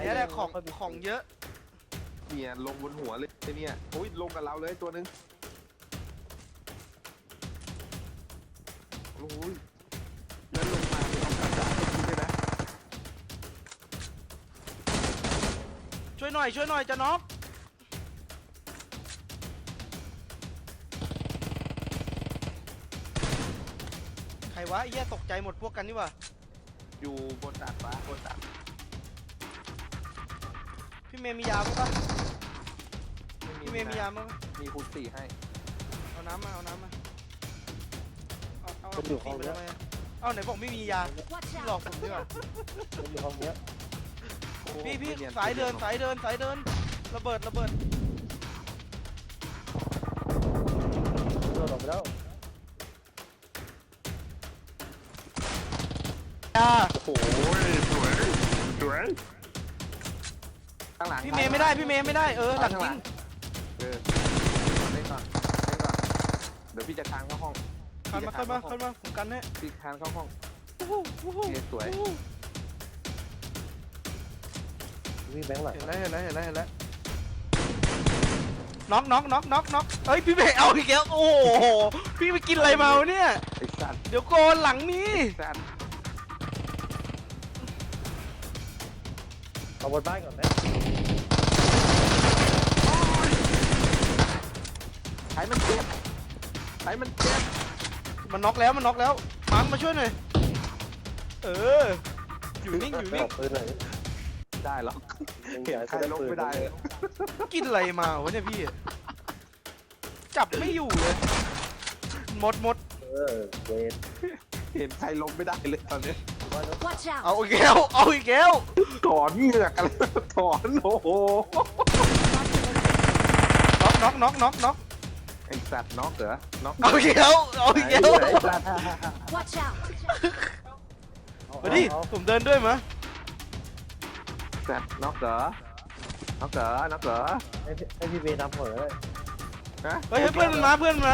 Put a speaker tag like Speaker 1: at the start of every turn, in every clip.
Speaker 1: นี้แหละของเยอะ
Speaker 2: เนี่ยลงบนหัวเลยเนี่ยโอ้ยลงกับเราเลยตัวนึงโอ้ยแล้วลงมาเป็นของกระจาดด้วยนะ
Speaker 1: ช่วยหน่อยจะน็อกใครวะไอ้เหี้ยตกใจหมดพวกกันนี่วะ
Speaker 2: อยู่บนดาดฟ้าบนดาด
Speaker 1: พี่เมย์มียาปะพี่เมย์มียามั้ง
Speaker 2: มีคูณ4ให้
Speaker 1: เอาน้ำมาเอา
Speaker 3: มันอยู่ห้องเนี้ย
Speaker 1: เอาไหนบอกไม่มียาหลอกผมดีกว่า
Speaker 3: มันอยู่ห้องเนี้ย
Speaker 1: พี่สายเดินระเบิด
Speaker 3: โดนออกไปแล้ว
Speaker 2: โอ้โหสวยข้างหลัง
Speaker 1: พี่เมย์ไม่ได้หลังยิง
Speaker 2: เล่นก่อนเดี๋ยวพี่จะคานเข้าห้อง
Speaker 1: คันมาผมกันให้
Speaker 2: พี่คานเข้าห้องสวย
Speaker 3: วิ่งแบงค์หลัง
Speaker 1: เห็นแล้วน็อกเอ้ยพี่เมย์เอาอีกแล้วโอ้โหพี่ไปกินอะไรมาวะเนี่ย
Speaker 2: ไอ้สัตว์
Speaker 1: เดี๋ยวโกนหลังนี้
Speaker 2: สัตว์
Speaker 3: เอาบนบ้านก่อนไหม
Speaker 2: ไอ้มันเจ็บ
Speaker 1: มันน็อกแล้วมังมาช่วยหน่อยอยู่นิ่ง
Speaker 3: ไม่ออกปืนเลย
Speaker 2: ได้หรอกเห็นใครลงไม่ได้เลย
Speaker 1: กินอะไรมาวะเนี่ยพี่จับไม่อยู่เลยหมด
Speaker 3: เวท
Speaker 2: เห็นใครลงไม่ได้เลยตอนนี้
Speaker 4: Watch out!
Speaker 1: เอาอีกแล้ว
Speaker 2: ถอนเหงือกอะไรถอนโอ้โห
Speaker 1: น็อก
Speaker 2: ไอ้สัตว์น็อกเหรอน็อก
Speaker 1: เอาอีกแล้ว
Speaker 2: ไอ้สัตว์
Speaker 4: Watch out!
Speaker 1: มาดิผมเดินด้วยมั้ย
Speaker 2: สัตว์น็อกเหรอ
Speaker 3: ให้พี่เวทนำหัวเลย
Speaker 2: ฮะ
Speaker 1: เฮ้ยเพื่อนมันมา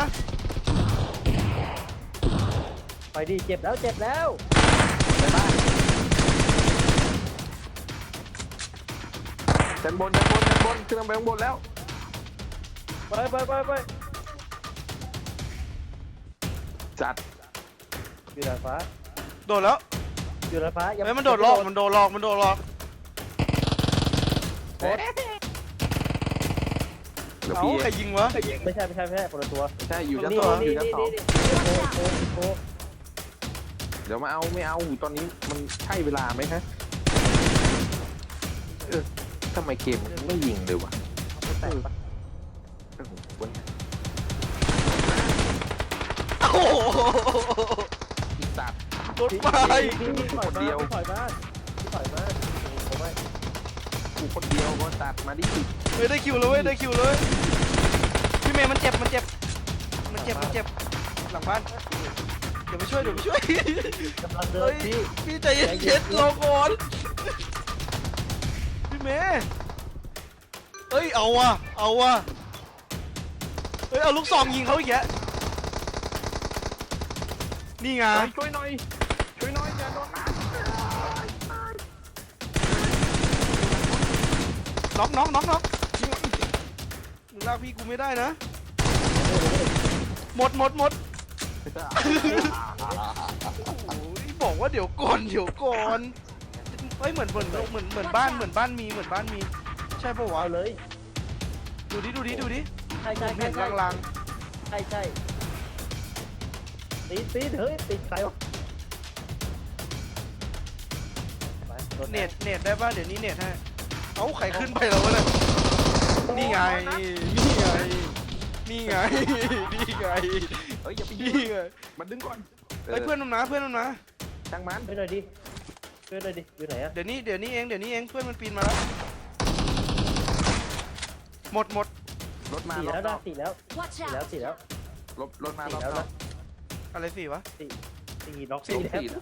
Speaker 3: ไปดิเจ็บแล้ว
Speaker 2: ไปบ้านชั้นบนขึ้นไปข้างบนแล้ว
Speaker 3: ไป
Speaker 2: จัด
Speaker 3: อยู่ดาดฟ้า
Speaker 1: โดดแล้ว
Speaker 3: อยู่ดาดฟ้า
Speaker 1: เฮ้ยมันโดดหลอก
Speaker 2: เดี๋ยว
Speaker 1: เอ้า
Speaker 2: พี่
Speaker 1: ใครยิงวะ
Speaker 3: ไม่ใช่คนละตัว
Speaker 2: ใช่อยู่ชั้นสองอยู่ชั้นสอง
Speaker 3: โอ้
Speaker 2: เดี๋ยวมาเอาไม่เอาตอนนี้มันใช่เวลาไหมฮะทำไมเกมมันไม่ยิงเลยวะ
Speaker 3: แตกปะ
Speaker 1: โอ้โห
Speaker 2: อีสัตว์
Speaker 1: รถไฟ
Speaker 3: พี่ถอยมาผมไม่
Speaker 2: กูคนเดียวก็ตัดมาดิ
Speaker 1: เฮ้ยได้คิวเลยพี่เมย์มันเจ็บหลังบ้านเดี๋ยวไปช่วย
Speaker 3: กำลังเดินพี่
Speaker 1: พี่ใจเย็นรอก่อนพี่เมย์เอ้ยเอาว่ะเฮ้ยเอาลูกซองยิงเขาอีกแกนี่ไง
Speaker 2: ช่วยหน่อยอย่าโดนน้
Speaker 1: น็อกมึงลากพี่กูไม่ได้นะหมด
Speaker 2: ำ
Speaker 1: โอ้ยบอกว่าเดี๋ยวก่อนเฮ้ยเหมือนบ้านมีใช่ปะวะ
Speaker 3: เอาเลย
Speaker 1: ดูดิ
Speaker 3: ใช่
Speaker 1: ผมเห็นลาง
Speaker 3: ใช่ตีเฮ้ยติดใครวะ
Speaker 1: ๆเน็ตได้ป่ะเดี๋ยวนี้เน็ตให้เอ้าใครขึ้นไปแล้ววะเนี่ยนี่ไง
Speaker 2: เฮ้ยอย่าไปยิงมันดึงก่อน
Speaker 1: เฮ้ยเพื่อนมันมา
Speaker 2: ช่างมัน
Speaker 3: ไปหน่อยดิอยู่ไหนอะ
Speaker 1: เดี๋ยวนี้เองเพื่อนมันปีนมาแล้วหมด
Speaker 2: รถมา
Speaker 3: สี่แล้วนะสี่แล้ว
Speaker 4: Watch
Speaker 3: สี่แล้ว
Speaker 4: out!
Speaker 3: สี่แล้ว
Speaker 2: รถมารอบ
Speaker 3: แล้ว
Speaker 2: นอ
Speaker 3: นะ
Speaker 2: ก
Speaker 1: อะไรสิวะ
Speaker 3: สี่น็อก
Speaker 2: สี่
Speaker 3: สี่แล้ว
Speaker 2: แล้ว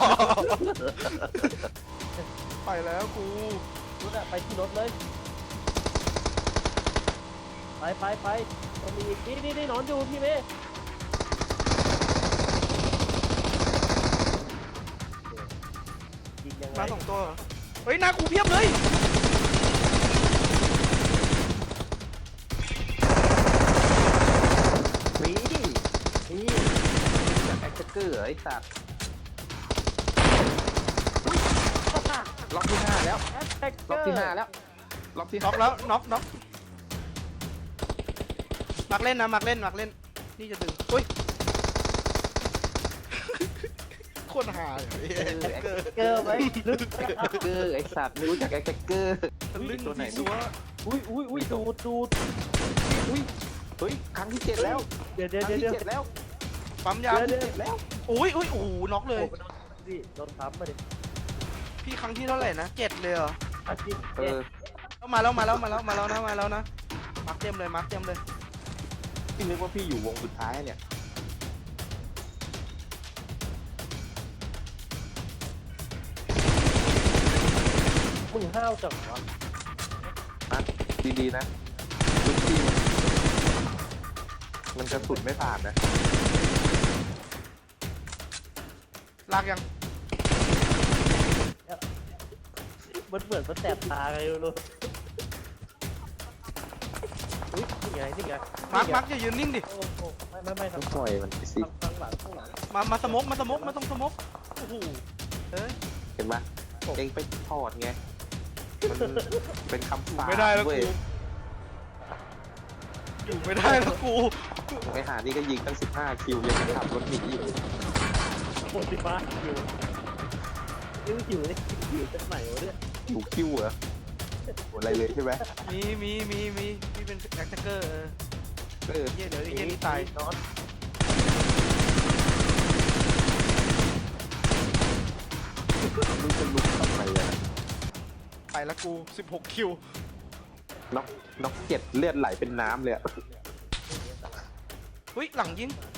Speaker 1: ไปแล้วกู
Speaker 3: รถอะไปที่รถเลยไปมันมีนี่นอนอยู่พี่เมย์ยิงยังไง
Speaker 1: มา2 ตัวเหรอฮ้ยหน้ากูเพียบเลย
Speaker 2: มีนี่จากแอคเกอร์ไอ้สัตว์ล็อกที่5แล้วล็อกที่5แล้วล็อกที่
Speaker 1: น็อกแล้วน็อกมักเล่นนะมักเล่นนี่จะดึงอุ้ย โคตรหาเลย
Speaker 3: เกอร์ไหม
Speaker 2: แอคเกอร์ไอ้สัตว์ไม่รู้จักแอคเกอร์
Speaker 1: ลึก
Speaker 2: ตัวไหน
Speaker 1: สัว
Speaker 3: อุ้ยดูด
Speaker 2: อุ้ยเฮ้ยครั้งที่7แล้ว
Speaker 3: เดี๋ยว
Speaker 2: ครั้งที่7แล้ว
Speaker 1: ปั๊มยา
Speaker 3: เดี๋ยว
Speaker 2: แล้ว
Speaker 1: อุ้ยโอ้โหน็อกเลย
Speaker 3: ดิโดนทับมาดิ
Speaker 1: พี่ครั้งที่เท่าไหร่นะ7เลยเหรอ
Speaker 3: อาชีพ
Speaker 2: เออ
Speaker 1: มาแล้วนะมักเต็มเลย
Speaker 2: พี่นึกว่าพี่อยู่วงสุดท้ายเนี่ย
Speaker 3: มึงห้าวจังวะ
Speaker 2: นะดีๆนะทุกทีมันกระสุนไม่ผ่านนะ
Speaker 1: ลากยัง
Speaker 3: มันเหมือนมันแสบตาไงไม่รู้อุ้ยนี่ไง
Speaker 1: มักอย่ายืนนิ่งดิ
Speaker 3: โอ้โหไม่
Speaker 2: ต้
Speaker 3: ทา
Speaker 2: อง งปล่อยมันไปสิ
Speaker 3: ข้างหลัง
Speaker 1: มาสมกไม่ต้องสมกโอ้โหเอ้ย
Speaker 2: เห็นไหมเองไปถอดไงมันเป็นคำสาป
Speaker 1: ไม่ได้แล้ว
Speaker 2: เว้
Speaker 1: กู
Speaker 2: ย
Speaker 1: อยู่ไม่ได้แล้วกู
Speaker 2: ไอ้หานี่ก็ยิงตั้ง15 คิวยังขับรถหนีอยู่
Speaker 3: โคตรบ้าหิวจากไหนวะเนี่ย
Speaker 2: อยู่คิวเหรอโหอะไรเลยใช่ไหม
Speaker 1: มีพี่เป็นแอคแท็กเกอร์
Speaker 2: เออ
Speaker 1: เดี๋ยวนี่ตาย
Speaker 3: นอน
Speaker 2: รู้จะลุกทำไมอะ
Speaker 1: ไปแล้วกู16คิว
Speaker 2: น็อก7เลือดไหลเป็นน้ำเลยอะ
Speaker 1: เฮ้ยหลังยิง